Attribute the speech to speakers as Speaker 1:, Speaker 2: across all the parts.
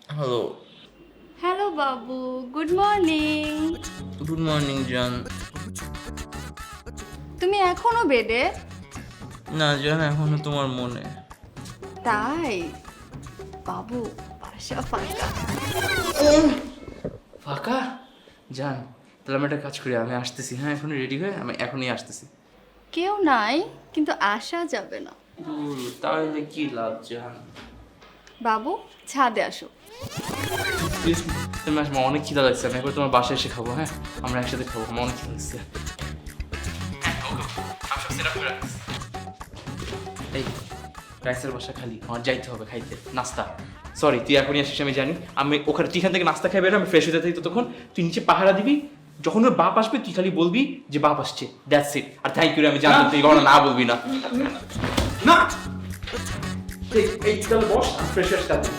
Speaker 1: Hello.
Speaker 2: Hello বাবু, good morning.
Speaker 1: Good morning জান।
Speaker 2: তুমি এখনো বেডে?
Speaker 1: না জান, এখনো তোমার মনে।
Speaker 2: তাই বাবু, বাসা ফাঁকা।
Speaker 1: ফাঁকা? জান, তাহলে আমি একটা কাজ করি, আমি আসতেছি। হ্যাঁ, এখনই রেডি হয়ে আমি এখনই আসতেছি।
Speaker 2: কেউ নাই, কিন্তু আসা যাবে না।
Speaker 1: তাহলে কি লাভ জান?
Speaker 2: বাবু, ছাদে আসো।
Speaker 1: প্লিজ তুমি আসবো, অনেক খিদা লাগছে। আমি একবার তোমার বাসায় এসে খাবো। হ্যাঁ, আমরা একসাথে খাবো, আমার অনেক খিদা লাগছে। আমি সব সেট আপ করে রাখছি। এই রাইসের বাসা খালি, আমার যাইতে হবে খাইতে নাস্তা। সরি, তুই এখনই আসিস আমি জানি। আমি ওখানে তুই এখান থেকে নাস্তা খাই বেরো, আমি ফ্রেশ হয়ে থাকি ততক্ষণ। তুই নিচে পাহারা দিবি, যখন ওর বাপ আসবে তুই খালি বলবি যে বাপ আসছে, দ্যাটস ইট। আর থ্যাংক ইউ, আমি জানতাম তুই কখনো না বলবি না। না এই তাহলে বস, আমি ফ্রেশ হয়ে আসতে।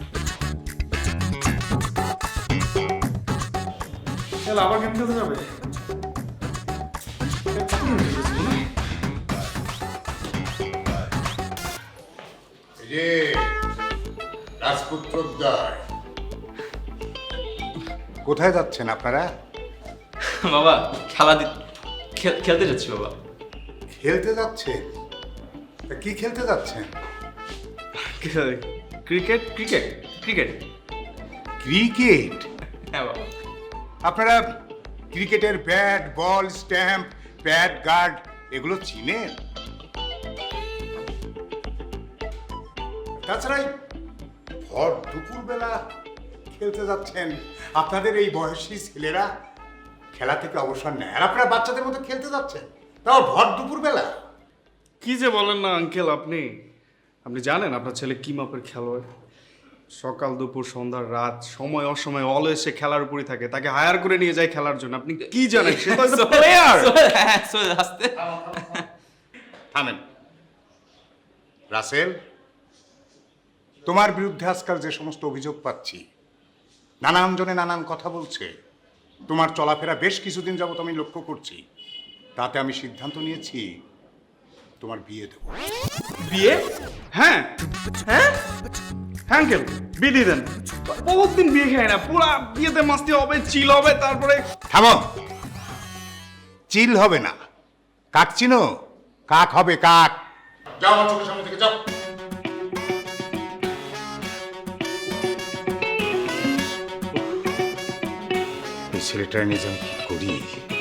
Speaker 3: আবার গেম খেলতে যাবে?
Speaker 4: যে রাজপুত্রদ্বয়, কোথায় যাচ্ছেন আপনারা?
Speaker 1: বাবা খেলতে যাচ্ছি বাবা।
Speaker 4: খেলতে যাচ্ছেন? তা কি খেলতে যাচ্ছেন?
Speaker 3: Cricket cricket cricket
Speaker 4: cricket?
Speaker 1: হ্যাঁ বাবা।
Speaker 4: আপনারা ক্রিকেটের bat, ball, stump, pad, guard এগুলো চিনেন? তাছাড়া এই ভর দুপুরবেলা খেলতে যাচ্ছেন, আপনাদের এই বয়সী ছেলেরা খেলা থেকে অবসর নেয়, আর আপনারা বাচ্চাদের মতো খেলতে যাচ্ছেন, তাও ভর দুপুরবেলা।
Speaker 3: কি যে বলেন না আঙ্কেল, আপনি আপনি জানেন আপনার ছেলে কি মাপের খেলোয়াড়? সকাল দুপুর সন্ধ্যা রাত সময় অসময় অলওয়েজ সে খেলার উপরই থাকে। তাকে হায়ার করে নিয়ে যায় খেলার জন্য। আপনি কি জানেন? সে তো একটা প্লেয়ার।
Speaker 1: আস্তে
Speaker 4: থামেন। রাসেল, তোমার বিরুদ্ধে আজকাল যে সমস্ত অভিযোগ পাচ্ছি, নানান জনে নানান কথা বলছে, তোমার চলাফেরা বেশ কিছুদিন যাবত আমি লক্ষ্য করছি, তাতে আমি সিদ্ধান্ত নিয়েছি তোমার বিয়ে দেবো।
Speaker 1: বিয়ে?
Speaker 3: হ্যাঁ
Speaker 1: হ্যাঁ
Speaker 3: হ্যাঁ আঙ্কেল, বিয়ে দিয়ে দেন। বহুত দিন বিয়ে খায় না, পুরা বিয়েতে মাস্তি হবে, চিল হবে, তারপরে
Speaker 4: থামো। চিল হবে না, কাক চিনো? কাক হবে, কাক। যাও আমার চোখের সামনে থেকে যাও। এই ছেলেটার নিয়ে যে আমি কি করি?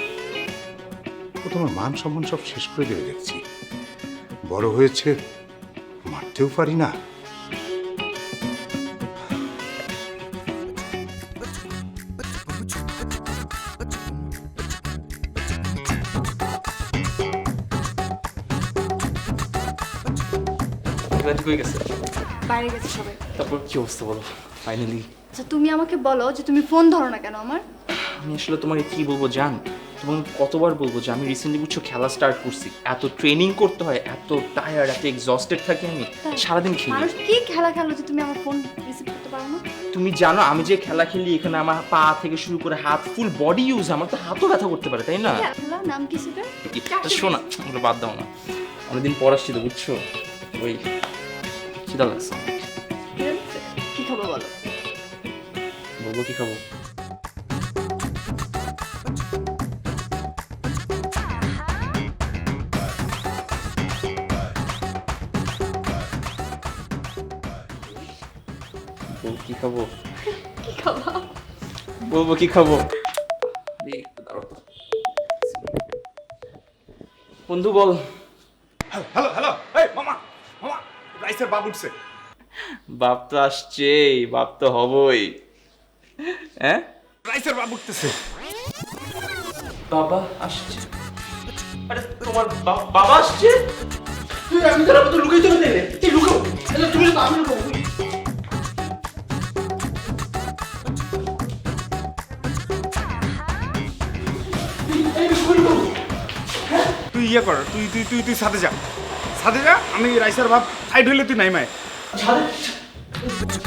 Speaker 4: ও তোমার মান সম্মান সব শেষ করে দেবে দেখছি। বড় হয়েছে, মারতেও পারি না।
Speaker 1: কই গেছে?
Speaker 2: বাইরে গেছে সবাই।
Speaker 1: তারপর কি অবস্থা বলো ফাইনালি?
Speaker 2: আচ্ছা, তুমি আমাকে বলো যে তুমি ফোন ধরো না কেন আমার?
Speaker 1: আমি আসলে তোমাকে কি বলবো জান, তোমাকে কতবার বলবো যে আমি রিসেন্টলি বুঝছো খেলা স্টার্ট করছি। এত ট্রেনিং করতে হয়, এত টায়ার্ড, এত এক্সস্টেড থাকি আমি সারাদিন খেলি।
Speaker 2: মানুষ কি খেলা খেলো যে তুমি আমার ফোন রিসিভ করতে পারো না?
Speaker 1: তুমি জানো আমি যে খেলা খেলি, এখানে আমার পা থেকে শুরু করে হাত, ফুল বডি ইউজ, আমার তো হাতও ব্যথা করতে পারে, তাই না?
Speaker 2: খেলা নাম কি সেটা?
Speaker 1: শোনা, ওগুলো বাদ দাও না। অনেকদিন পর আসছি তো বুঝছো, ওই খিদা লাগছে অনেক।
Speaker 2: কি খাবো বলো?
Speaker 1: বলবো কি খাবো? বলবো কি খাবো?
Speaker 2: কি খাবো?
Speaker 1: বলবো কি খাবো? একটু দাঁড়াও তো। বন্ধু বল।
Speaker 3: হ্যালো হ্যালো, এই মামা মামা, রাইসের বাপ উঠছে।
Speaker 1: বাপ তো আসছেই, বাপ তো হবই। হ্যাঁ,
Speaker 3: রাইসের বাপ উঠতেছে।
Speaker 1: বাবা আসছে। আরে তোমার বাবা আসছে? আমি তো লুকাই চলে দিলে। এই লুকাও, তুমি তো আমি লুকাবো।
Speaker 3: তুই ইয়ে কর, তুই তুই তুই তুই সাথে যা, সাথে যা। আমি রাইসের বাপ সাইড হইলে তুই নাই মায়।
Speaker 1: ছাদে